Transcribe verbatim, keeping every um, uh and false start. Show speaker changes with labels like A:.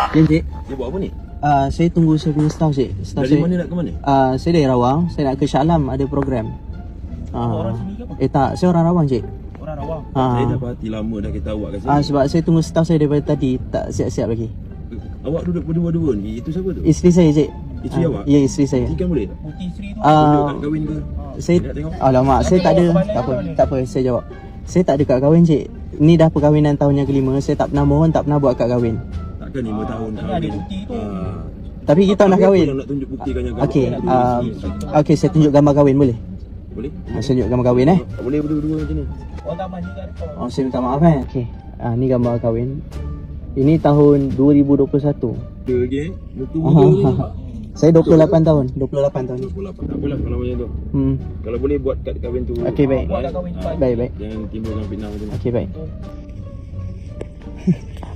A: Ya, Cik.
B: Dia buat apa ni?
A: Uh, saya tunggu saya punya staff, Cik. Staff
B: Dari
A: saya,
B: mana nak ke mana?
A: Uh, saya dari Rawang. Saya nak ke Shah Alam, ada program. Uh,
C: Orang sini ke apa?
A: Eh tak, saya orang Rawang, Cik.
C: Orang Rawang.
A: Uh,
B: Saya dah berhati lama dah kita awak kat sini.
A: uh, sebab saya tunggu staff saya daripada tadi, tak siap-siap lagi.
B: Awak duduk berdua-dua ni, itu siapa tu?
A: Isteri saya, Cik.
B: Isteri
A: Ah,
B: awak?
A: Ya, isteri saya.
B: Ikan boleh?
C: Putih Sri tu.
A: Ah,
B: Duduk kat kahwin ke?
A: Saya,
B: Nak tengok?
A: alamak, saya tak ada. Tak apa, tak apa, saya jawab. Saya tak ada kad kahwin, Cik. Ni dah perkahwinan tahun yang kelima. Saya tak pernah mohon, tak pernah buat kad kahwin.
B: Takkan lima tahun
C: Ini
B: kahwin.
C: ada bukti tu.
B: Ah.
A: Tapi kita nak
B: Apa
A: kahwin.
B: yang nak tunjuk buktikan yang
A: Okey,
B: kahwin?
A: uh, okey, saya tunjuk gambar kahwin boleh?
B: Boleh?
A: Ah, Saya tunjuk gambar kahwin eh.
B: Tak boleh berdua-dua macam ni.
C: Orang tak mandi kat depan.
A: Oh, saya minta maaf eh. Okey. Ah, ni gambar kahwin. Ini tahun dua ribu dua puluh satu.
B: Dia lagi eh. Muka muda ni nampak.
A: Saya dua puluh lapan tahun. dua puluh lapan tahun ni.
B: dua puluh lapan. Tak apalah kalau macam tu.
A: Hmm.
B: Kalau boleh buat kad kahwin tu.
A: Okey, baik.
C: Buat kat kahwin cepat.
A: Baik, baik.
B: Jangan timbulkan fitnah macam ni.
A: Okey, baik.